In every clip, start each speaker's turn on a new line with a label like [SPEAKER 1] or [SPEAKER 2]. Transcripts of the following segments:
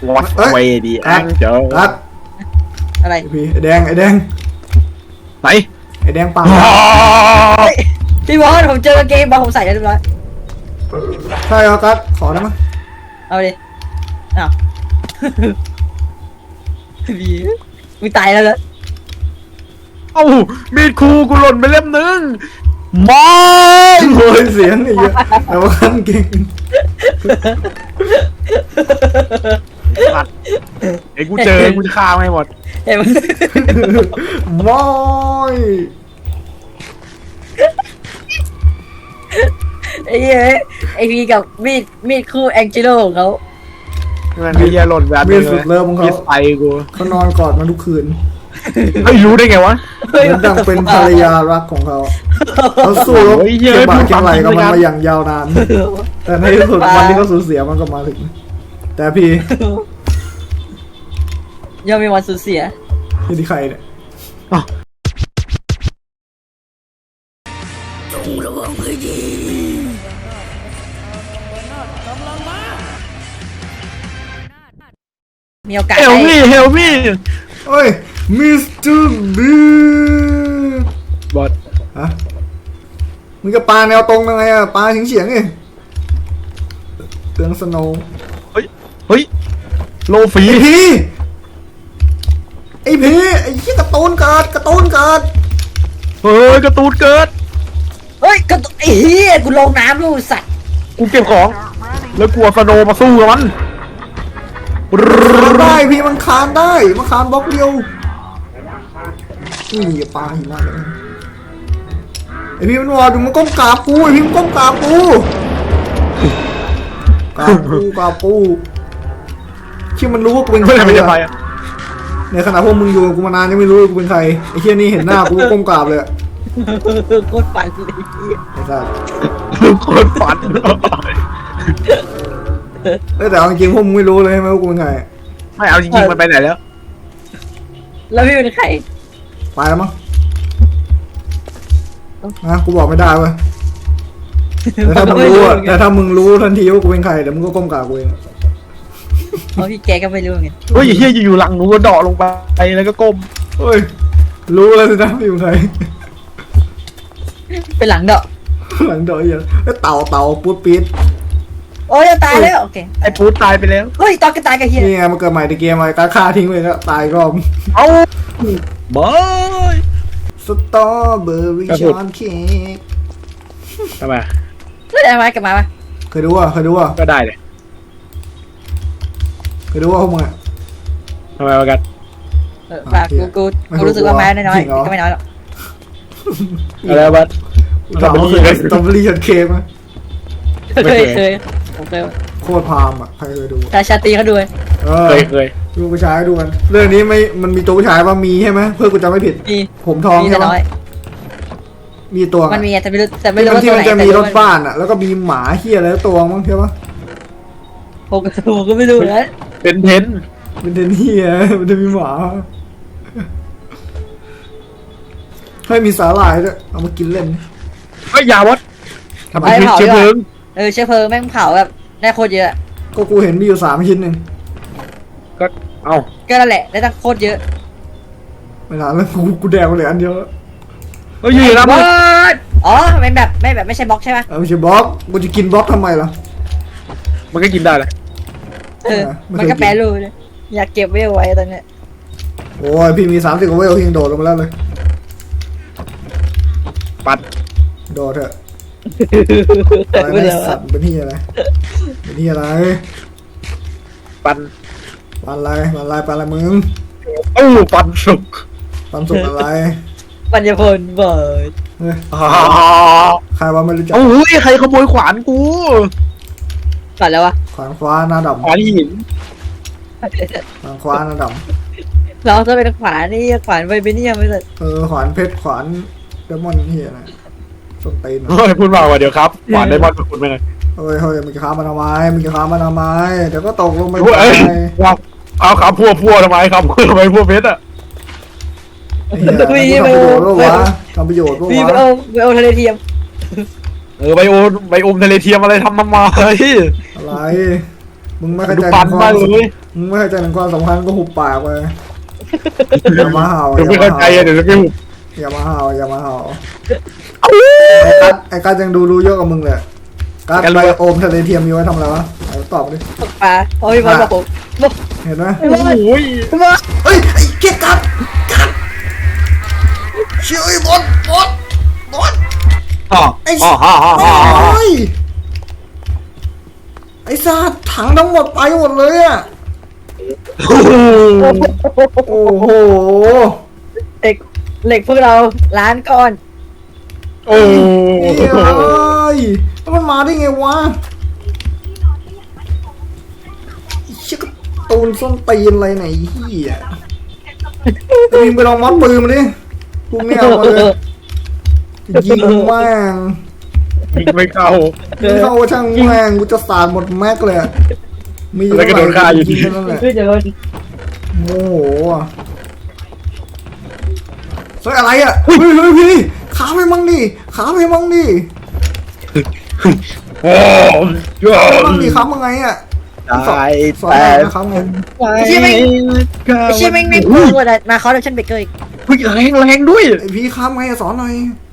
[SPEAKER 1] วัดเวดีแองเจอ
[SPEAKER 2] รัด
[SPEAKER 3] อะไร
[SPEAKER 2] พี่ไอแดงไหน ไอแดงปาก
[SPEAKER 3] พี่บอสผมเจอกางเกงบอลผมใส่แล้วเรียบร้อย
[SPEAKER 2] ใช่ครับกัดขอได้ไหม
[SPEAKER 3] เอาดิอ้าวพี่มึงตายแล้วเหรอ
[SPEAKER 1] เอ้ามีดครูกูหล่นไปเล่มนึงมอง
[SPEAKER 2] โอ้ยเสียงไอ้เหี้ยแต่ว่าขั้นเก่ง
[SPEAKER 1] ไอ้กูเจอกูจะฆ่าไม่หมด
[SPEAKER 3] เห็นไหม
[SPEAKER 2] มอย
[SPEAKER 3] ไอ้เหี้ยไอพีกับมีดคู่แองจิโร่ของเขา
[SPEAKER 1] มันไอ้เหี้ยหล่นแบบ
[SPEAKER 2] มีสุดเลิฟของ
[SPEAKER 1] มี
[SPEAKER 2] เขา
[SPEAKER 1] ไฟกู
[SPEAKER 2] เขานอนกอดมันทุกคืน
[SPEAKER 1] เฮ้ยรู้ได้ไงวะ
[SPEAKER 2] เหมือนดังเป็นภรรยารักของเขาเขาสู้รบ
[SPEAKER 1] โอ้ยเหี้
[SPEAKER 2] เก็
[SPEAKER 1] ย
[SPEAKER 2] บบาดเก็บไหลกับมัน
[SPEAKER 1] พูดความจริง
[SPEAKER 2] มาอย่างยาวนาน แต่ในที่สุดวันที่เขาสูญเสียมันก็มาถึง แต่พี่
[SPEAKER 3] ยังมีวันสูญเสีย
[SPEAKER 2] พี่ที่ใครเนี่ย
[SPEAKER 3] มีโอกาส
[SPEAKER 1] เฮล
[SPEAKER 3] ได้
[SPEAKER 1] มี่เฮลมี่
[SPEAKER 2] เฮ้ยมิสเตอร์บี
[SPEAKER 1] บอส
[SPEAKER 2] ฮะมึงจะปาแนวตรงยังไงอะปาเฉียงๆไงเตืองสโนว์
[SPEAKER 1] เฮ้ยโลฟี
[SPEAKER 2] ไอพีไอ้ที่การ์ตูนเกิด
[SPEAKER 1] เฮ้ยกระตูนเกิด
[SPEAKER 3] เฮ้ยก็ไอ้เหี้ยกูลงน้ำลูกสัตว์
[SPEAKER 1] กูเก็บของ แล้วกลัวสโนว์มาสู้กับมัน
[SPEAKER 2] คานได้พี่มันคานได้มันคานบล็อกเดียวนี่อย่าปาหิมะเลยไอพี่มันวอดูมันก้มกราบกูไอพี่มันก้มกราบกูที่มันรู้ว่ากูเป็นใคร
[SPEAKER 1] ไม่ได้ไป
[SPEAKER 2] อะในขณะพวกมึงอยู่กับกูมานานยังไม่รู้ว่ากูเป็นใครไอ้เชี่ยนี่เห็นหน้ากูก็ก้มกราบเลยอะ
[SPEAKER 3] โคตรฝันเลยเหี้ย
[SPEAKER 2] ไอ้สัส
[SPEAKER 1] คนฝัน
[SPEAKER 2] แต่เอาจริงๆพวกมึงไม่รู้เลยใช่ไหมว่ากูเป็นใคร
[SPEAKER 1] ไม่เอาจริงๆมันไปไหนแล้ว
[SPEAKER 3] แล้วพี่เป็นใคร
[SPEAKER 2] ไปแล้วมั้งนะกูบอกไม่ได้เว้ยแต่ถ้ามึงรู้อะแต่ถ้ามึงรู้ทันทีว่ากูเป็นใครเดี๋ยวมึงก็ก้มกราบกูเอง
[SPEAKER 3] เพราะพี่แกก็ไม่รู้ไง
[SPEAKER 1] เฮ้ยเฮียอยู่ๆหลังหนูก็เดาะลงไปแล้วก็ก้ม
[SPEAKER 2] เฮ้ยรู้แล้วสินะพี่เป็นใคร
[SPEAKER 3] เป็นหลังเดาะ
[SPEAKER 2] หลังเดอยอย่างเต่าปูดปี๊ด
[SPEAKER 3] โอ้ยจะตายแล้วโอเค
[SPEAKER 1] ไอ้ปูตายไปแล้ว
[SPEAKER 3] เฮ้ยตอนก็ตายกับเฮีย
[SPEAKER 2] นี่ไงมันเกิดใหม่ในเกมอะไรการฆ่าทิ้งไปก็ตายรอบ
[SPEAKER 1] เอ้าบอย
[SPEAKER 2] สตรอเบอร์รี่ชอนเค้ก
[SPEAKER 1] ทำไม
[SPEAKER 3] แล้วจะมากลับมาปะ
[SPEAKER 2] เคยดูอ่ะ
[SPEAKER 1] ก็ได้เลย
[SPEAKER 2] พวกมึงอ่ะ
[SPEAKER 1] ทำไมวะกัน
[SPEAKER 3] ฝากกูรู้สึกว่าแม้น้อยๆก็ไม่น้อยหรอก
[SPEAKER 1] อะไรวะ
[SPEAKER 2] เราเคยสตรอเบอร์รี่ชอนเค้กไหม
[SPEAKER 3] เคยผมเคย
[SPEAKER 2] โคตรพามอ่ะใครเคยดู
[SPEAKER 3] ชาตรีเขาด้วย
[SPEAKER 1] เคย
[SPEAKER 2] ดูผู้ชายดูกันเรื่องนี้ไม่มันมีตัวผู้ชายป่ะมีใช่ไหมเพื่อกูจำไม่ผิด
[SPEAKER 3] มี
[SPEAKER 2] ผมทอง
[SPEAKER 3] มี
[SPEAKER 2] ใช่
[SPEAKER 3] แต่
[SPEAKER 2] ไหม
[SPEAKER 3] น้อย
[SPEAKER 2] มีตัว
[SPEAKER 3] มันมีแต่ไม่รู้ว่า
[SPEAKER 2] ที่
[SPEAKER 3] ตัว
[SPEAKER 2] มั
[SPEAKER 3] ไหน
[SPEAKER 2] นจะมีรถบ้านอ่ะแล้วก็มีหมาเฮียอะไรตัวมั้งใช่ปะ
[SPEAKER 3] ผมก็ไม่รู้นะ
[SPEAKER 1] เป็นเทน
[SPEAKER 2] มันจะเฮียมันจะมีหมาให้มีสาหร่ายด้วยเอามากินเล่น
[SPEAKER 1] เฮ้ยยาวัดทำไมเชื้อเพลิง
[SPEAKER 3] เชื้อเพลิงแม่งเผาแบบได้โคตรเยอะ
[SPEAKER 2] ก็กูเห็นมีอยู่3 ชิ้นเอง
[SPEAKER 1] ก็เอ้า
[SPEAKER 3] ก็นั่นแหละได้ตั้งโคตรเยอะ
[SPEAKER 2] ไม่นานแล้วกูแดกมาเหลืออันเดียวแล้ว
[SPEAKER 1] เฮ้ยอยู่นะ
[SPEAKER 3] บ
[SPEAKER 1] มึ
[SPEAKER 3] อง สอ๋อเป็นแบบไม่ใช่บล็อกใช่ไหม
[SPEAKER 2] ไม่ใช่บล็อกกูจะกินบล็อกทำไมล่ะ
[SPEAKER 1] มันก็กินได้เลย
[SPEAKER 3] มันก็แปรรูปเลยอยากเก็บไว้เอาไว้ตอนเนี้ย
[SPEAKER 2] โอ้ยพี่มี30 กว่าเวลพี่ยังโดดลงมาแล้วเลย
[SPEAKER 1] ปัด
[SPEAKER 2] โดดเถอะอะไรนะสัตว์เป็นที่อะไรเป็นที่อะไร
[SPEAKER 1] ปัน
[SPEAKER 2] ปันอะไรมึง
[SPEAKER 1] โอ้ปันสุก
[SPEAKER 2] ปันสุกอะไร
[SPEAKER 3] ปัญญาพลเบิร์ด
[SPEAKER 2] เฮ้ย
[SPEAKER 1] อ๋อ
[SPEAKER 2] ใครว่าไม่รู้จัก
[SPEAKER 1] โอ้ยใครขโมยขวานกู
[SPEAKER 3] ก่อนแล้ววะ
[SPEAKER 2] ขวานฟ้าหน้าดำ
[SPEAKER 1] ขวานหิน
[SPEAKER 2] ขวานฟ้าหน้าด
[SPEAKER 3] เราจะเป็นขวานนี่ขวานไวเบเนียมไม่เลย
[SPEAKER 2] ำขวานเพชรขวานเดมอนเฮียอะไรส้นตีน
[SPEAKER 1] เฮ้ยพูดมากกว่าเดี๋ยวครับขวานไดมอนด์คุณไปเลย
[SPEAKER 2] เฮ้ยมึงจะค้ามันทำไมเดี๋ยวก็ตกลงไป
[SPEAKER 1] เอ้ยเอาครับพวกทำไมครับทำไมพวกเพชรอ่ะ
[SPEAKER 2] ทำประโยชน์ป่าวะทำประโยชน์ป่า
[SPEAKER 3] พี่
[SPEAKER 2] วะ
[SPEAKER 3] เอาทะเลเทียม
[SPEAKER 1] ไบโอมทะเลเทียมอะไรทำมาเฮ้ย
[SPEAKER 2] อะไรมึงไม่เข้า
[SPEAKER 1] ดู
[SPEAKER 2] ใจ
[SPEAKER 1] ปันมากเลย
[SPEAKER 2] มึงไม่เข้าใจถึงความสำคัญก็หุบปากไปอย่ามาเห่า
[SPEAKER 1] เดี๋ยวไม่เข้าใจอะเดี๋ยวจะไม่หุบ
[SPEAKER 2] อย่ามาเห่าอย่ามาเห่าไอ้กัดยังดูเยอะกว่ามึงเลยกัดไปโอมทะเลเทียมมีไว้ทำอะไรวะตอบดิ
[SPEAKER 3] ตกปลาโอ้ยบอลบอกผมบอก
[SPEAKER 2] เห็นไหม
[SPEAKER 1] โอ้ย
[SPEAKER 3] บอก
[SPEAKER 2] เฮ้ยไอ้เกียกัดเชื่อไอ้บอล
[SPEAKER 1] อ๋อ
[SPEAKER 2] ไอ้
[SPEAKER 1] อ๋ออ๋ออ๋อ
[SPEAKER 2] โอ้ยไอ้ซาถังทั้งหมดไปหมดเลยอะโอ้โห
[SPEAKER 3] เหล็กพวกเราล้านก้อน
[SPEAKER 1] โอ้
[SPEAKER 2] เฮ้ยแล้วมันมาได้ไงวะไอ้เชี่ยกระตูนส้นตีนอะไรไหนเฮียไอ้พิมไปลองมัดปืนมาดิกูไม่เอามาเลยยิงแม่ง
[SPEAKER 1] ไม่เข้า
[SPEAKER 2] ยิงเข้าช่างแม่งกูจะสาดหมดแม็กเลยอะมี
[SPEAKER 1] แล้วก็โดนฆ่าอยู่ดี
[SPEAKER 2] ยิงแค่นั่นแหละ
[SPEAKER 3] คือจะโดน
[SPEAKER 2] โมโหอ่ะเฮ้ยอะไรอ่ะเฮ้ยพี่ขาไปมั่งดิขาไปมั่งดิ
[SPEAKER 1] โอ้ย
[SPEAKER 2] มั่งดิขามั่งไงอ่ะ
[SPEAKER 1] ตาย
[SPEAKER 2] สอน
[SPEAKER 1] แต่
[SPEAKER 2] หน่อยนะครับไง
[SPEAKER 3] ไอ้เชี่ยแม่งไอ้เชี่ยแม่งไม่พูดว่ามาเขาเดชันเบเกอร์อีก
[SPEAKER 1] เฮ้ยแรงด้วย
[SPEAKER 2] ไอพี่ขาไงอะสอนหน่อย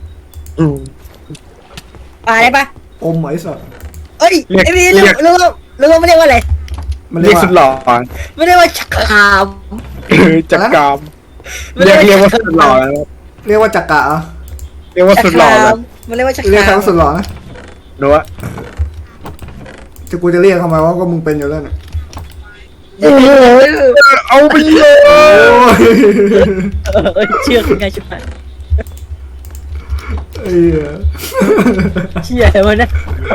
[SPEAKER 3] ปลาได้ปะ
[SPEAKER 2] อมไหมสัตว์
[SPEAKER 3] เอ้ยไอ้พี่รู้ไม่เรียกว่าอะไร
[SPEAKER 2] มัน
[SPEAKER 1] เรียกสุดหล่อ
[SPEAKER 3] ไม่เรียกว่าชักขาม
[SPEAKER 1] จักรกรรมเรียกว่าสุดหล่อแล้ว
[SPEAKER 2] เรียกว่าจักระเหรอ
[SPEAKER 1] เรียกว่าสุดหล่อแล้ว
[SPEAKER 3] มันเรียกว่าชัก
[SPEAKER 2] เรียก
[SPEAKER 3] ขา
[SPEAKER 2] ใคร
[SPEAKER 3] ม
[SPEAKER 2] ว่าสุดหล่อนะ
[SPEAKER 1] หนูว่า
[SPEAKER 2] จะกูจะเรียกทำไมวะก็มึงเป็นอยู่แล้วเนี่ย
[SPEAKER 1] โอ้ยเอาไปเลย
[SPEAKER 2] โอ้ย
[SPEAKER 3] เชื่อคุณไงชิบหาย
[SPEAKER 2] ไอ้เหี้ย
[SPEAKER 3] เชี่ยมันนะ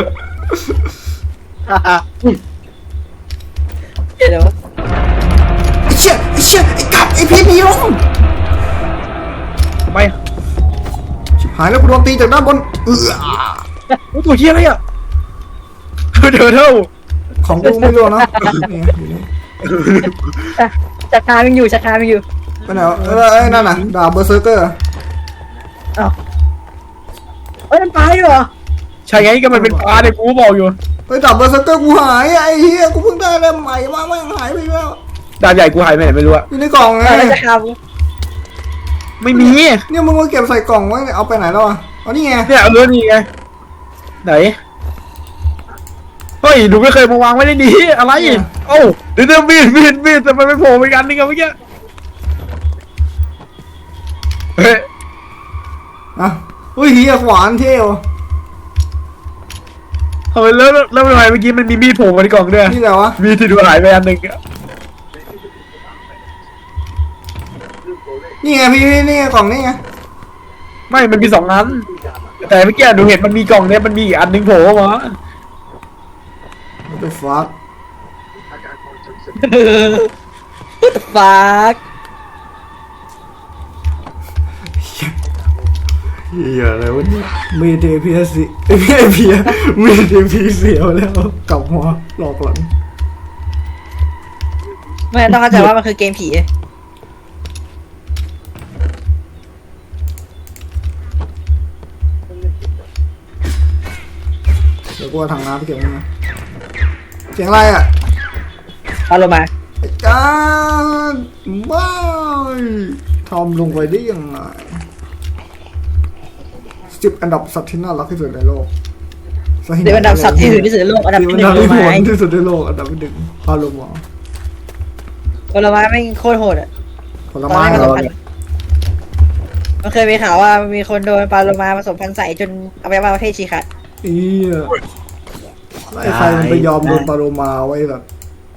[SPEAKER 3] เดี๋ยว
[SPEAKER 2] ไอ้เชี่ยไอ้กัดไอ้พีหนีลง
[SPEAKER 1] ทำไม
[SPEAKER 2] ชิบหายแล้วกูโดนตีจากด้านบน
[SPEAKER 1] ตัวเฮียอะไรอ่ะเท่า
[SPEAKER 2] ของกูไม่รู้นะนี่อยู่นี่
[SPEAKER 3] ชักขามยังอยู่ชักขามยังอยู่
[SPEAKER 2] ไปไหนวะไอ้นั่นน่ะดาบเบอร์เซอร์เกอร์
[SPEAKER 3] อ้าวเอ้ยมันปลาด้วยเหรอ
[SPEAKER 1] ใช่ไงก็มันเป็นปลาเนี่ยกูบอกอยู่
[SPEAKER 2] ไอ้ดาบเบอร์เซอร์เกอร์กูหายไอ้เหี้ยกูเพิ่งได้เล่มใหม่มาไม่งหายไปแล้ว
[SPEAKER 1] ดาบใหญ่กูหายไปไหนไม่รู้อะ
[SPEAKER 2] อยู่ในกล่องไง
[SPEAKER 3] แล้วชักขาม
[SPEAKER 1] ไม่มี
[SPEAKER 2] เนี่ยมึงมาเก็บใส่กล่องไว้เอาไปไหนแล้วอ่ะอ๋อนี่ไง
[SPEAKER 1] เนี่ยเอาเรื่องนี้ไงไหนเฮ้ยหนูไม่เคยมาวางไว้ในนี้อะไรโอ้เดี๋ยวมีดแต่มันไม่โผล่ไปกันนี่ไงเมื่อกี้เฮ้ย
[SPEAKER 2] อ่ะอุ้ยเหี้ยขวานเท่ว
[SPEAKER 1] ทำไมแล้วทำไมเมื่อกี้มันมีมีดโผล่มาในกล่องด้วย
[SPEAKER 2] นี่แหละวะ
[SPEAKER 1] มีดที่ดูหายไปอันหนึ่งอะ
[SPEAKER 2] นี่ไงพี่นี่ไงกล่องนี่ไง
[SPEAKER 1] ไม่มันมี2 อันแต่เมื่อกี้หนูเห็นมันมีกล่องเนี่ยมันมีอีกอันหนึ่งโผล่มา
[SPEAKER 2] What the fuck
[SPEAKER 3] ฟาก
[SPEAKER 2] เหี้ยอะไรวะเนี่ยมีเทพีสิมีเทพีเสียวแล้วกลับหัวหลอกหลัง
[SPEAKER 3] ไม่ต้องเข้าใจว่ามันคือเกมผี
[SPEAKER 2] เดี๋ยวกูเอาถังน้ำไปเก็บมันนะเสียงอะไรอ่ะ
[SPEAKER 3] เอาลงมา
[SPEAKER 2] ไอ้การบ้ายทำลงไปได้ยังไง10 อันดับสัตว์ที่น่ารักที่สุดในโลก
[SPEAKER 3] เดี๋ยวอันดับสัตว์ที่ถือที่สุดในโลกอันดับที่หนึ่ง
[SPEAKER 2] ที่
[SPEAKER 3] ผลไม้
[SPEAKER 2] ที่สุดในโลกอันดับที่ 1พาโลมา
[SPEAKER 3] ผลไม้ไม่งโคตรโหดอ่ะ
[SPEAKER 2] ผลไม้
[SPEAKER 3] ผ
[SPEAKER 2] เห
[SPEAKER 3] ส
[SPEAKER 2] ร
[SPEAKER 3] ม
[SPEAKER 2] อ
[SPEAKER 3] พันธุ์มันเคยมีข่าวว่ามีคนโดนปลาโลมาผสมพันธุ์ใส่จนเอาไปว่าประเทศชีขัด
[SPEAKER 2] อีไอ้ใครมันไปยอมโดนปลาโลมาไว้แบบ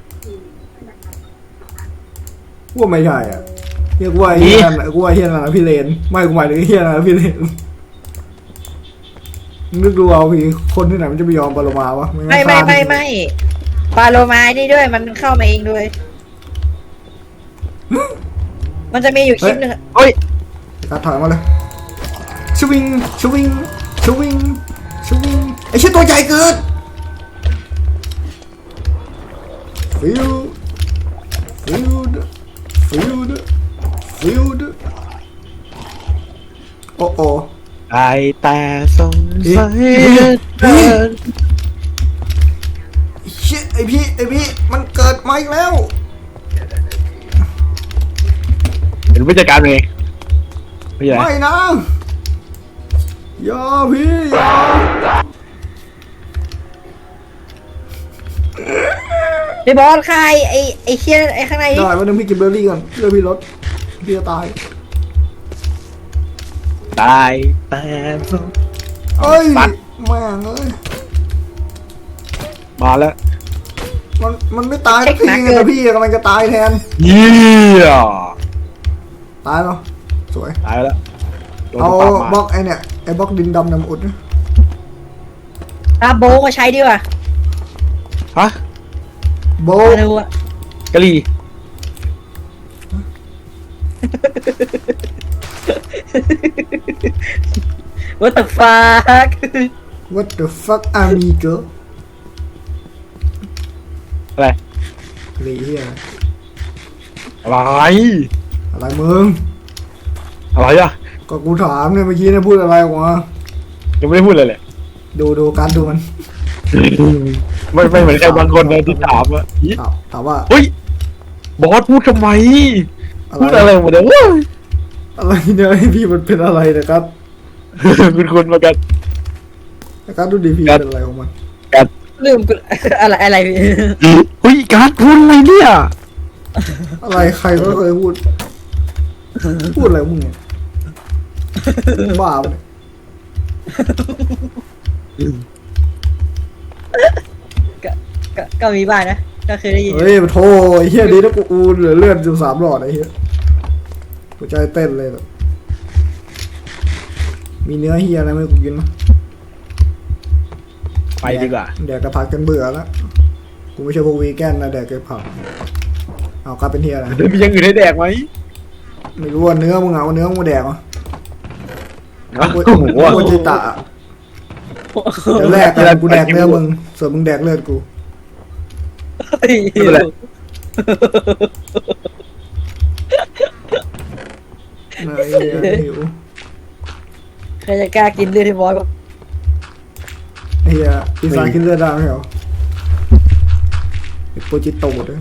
[SPEAKER 2] ว่าไม่ใช่อ่ะเรียกว่าไอ้เฮียนั่นกูว่าไอ้เฮียนั่นนะพี่เลนไม่กูหมายถึงไอ้เฮียนั่นนะพี่เลนนึกดูเอาพี่คนที่ไหนมันจะไปยอมปลาโลมาวะ
[SPEAKER 3] ไม่ปลาโลมานี่ด้วยมันเข้ามาเองด้วย มันจะมีอยู่คลิปหนึ่ง
[SPEAKER 1] เฮ้ย
[SPEAKER 2] ตัดถอยมาเลยชวิงไอ้เชี่ยตัวใหญ่เกินฟิวดโอ้โอ
[SPEAKER 1] ไอแต่สงสัย
[SPEAKER 2] เชี่ยไอพี่มันเกิดมาอีกแล้ว
[SPEAKER 1] เป็นผู้จัดการเองไม่ใช่
[SPEAKER 2] ไม่นะอย่าพี่อย่า
[SPEAKER 3] พี่บอสใครไอ้เชี่ยไอ้ข้างใน
[SPEAKER 2] ได้วันนึงพี่กินเบอร์รี่ก่อนเรื่องพี่รถพี่จะตาย
[SPEAKER 1] ตายแต่
[SPEAKER 2] เอ้ย
[SPEAKER 1] ปัด
[SPEAKER 2] แม่งเอ้ย
[SPEAKER 1] มาแล้ว
[SPEAKER 2] มันไม่ตายสักทีไงแต่พี่กำลังจะตายแทน
[SPEAKER 1] เยี่ย
[SPEAKER 2] ตายเนาะสวย
[SPEAKER 1] ตายแล้วโดน
[SPEAKER 2] เอา
[SPEAKER 1] ปา
[SPEAKER 2] บล็อกไอเนี่ยไอบล็อกดินดำน้ำอุดนะ
[SPEAKER 3] อาโบมาใช้ดีกว่า
[SPEAKER 1] ฮะ
[SPEAKER 2] โบ
[SPEAKER 3] มาดูอะ
[SPEAKER 1] กะหรี่
[SPEAKER 3] What the fuck
[SPEAKER 2] what the fuck amigo
[SPEAKER 1] อะไร
[SPEAKER 2] หลีเฮีย
[SPEAKER 1] อะไร
[SPEAKER 2] อะไรมึง
[SPEAKER 1] อะไรอ่ะ
[SPEAKER 2] ก็กูถามเนี่ยเมื่อกี้เนี่ยพูดอะไรออกมา
[SPEAKER 1] ยังไม่ได้พูดเลยแหละ
[SPEAKER 2] ดูการดูมัน
[SPEAKER 1] ไม่เหมือนใครบางคนเลยที่ถามอ่ะอี
[SPEAKER 2] ถามว่า
[SPEAKER 1] เฮ้ยบอสพูดทำไม
[SPEAKER 2] อะไร
[SPEAKER 1] พูดอะไรหมดเลยเว้ย
[SPEAKER 2] อะไรเนี่ยให้พี่มันเป็นอะไรนะครับ
[SPEAKER 1] คุณมากัน
[SPEAKER 2] นะครับดูดีพี่
[SPEAKER 1] ครับ
[SPEAKER 2] เป็นอะไรของมัน
[SPEAKER 3] ลืมกูอะไรพี่
[SPEAKER 1] เฮ้ยการพูดอะไรเนี่ย
[SPEAKER 2] อะไรใครก็เคยพูดอะไรของมึงเนี่ยบ้าปะเนี่ย
[SPEAKER 3] ก็มีบ้างนะ ก็เคยได้ยิน
[SPEAKER 2] เฮ้ยมาโทไอ้เฮียดีนะกูเหลือเลือดอยู่3 หลอดไอ้เฮียหัวใจเต้นเลยแบบมีเนื้อเฮียอะไรไหมกูกินมั้ย
[SPEAKER 1] ไปดีกว่า
[SPEAKER 2] แดกกระผักกันเบื่อแล้วกูไม่ใช่พวกวีแกนนะแดกกระผักเอากลายเป็นเฮียอะไร
[SPEAKER 1] เดี๋ยวมีอยังอื่นให้แดกไหม
[SPEAKER 2] ไม่รู้ว่าเนื้อมึงเอาเนื้อมึงมาแดกเหรอ
[SPEAKER 1] โอ้
[SPEAKER 2] กู
[SPEAKER 1] โห
[SPEAKER 2] กูจิตะเดี๋ยวแรกกันกูแดกเนื้อมึงส่วนมึงแดกเลือดกู
[SPEAKER 3] เฮ้ย
[SPEAKER 1] ไม่เป็นไร
[SPEAKER 2] เนื้อเฮียหิว
[SPEAKER 3] ใครจะกล้ากินเลือดที่บอส
[SPEAKER 2] ไอ้เฮียปีศาจกินเลือดได้ไหมเหรอไอ้โปรจิโตะด้วย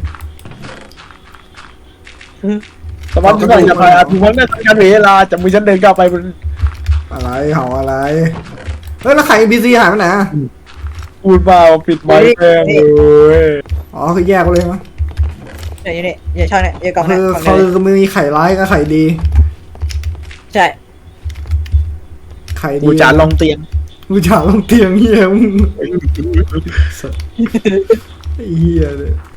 [SPEAKER 1] สมัครจะไปอาทิตย์วันนี้ทำการเวลาจับมือฉันเดินก้าวไปบน
[SPEAKER 2] อะไรเห่าอะไรเฮ้ยแล้วไข่บีซีหายไปไหนอะ
[SPEAKER 1] พูดมาปิดไมค์แม่งเลย
[SPEAKER 2] อ๋อคือแยกไปเลยมั้ย
[SPEAKER 3] เนี่ยอยู่นี่อย่าช่องเนี่ยอย่ากล่อง
[SPEAKER 2] คื
[SPEAKER 3] เนี่ย
[SPEAKER 2] อก
[SPEAKER 3] ล่อง
[SPEAKER 2] เขา
[SPEAKER 3] เนี่ย
[SPEAKER 2] คือมีไข่ร้ายกับไข่ดี
[SPEAKER 3] ใช่
[SPEAKER 2] ไข่ดี
[SPEAKER 1] กูจานลองเตียง
[SPEAKER 2] กูจานลงเตียงเฮียมึงไอ้เฮียเลย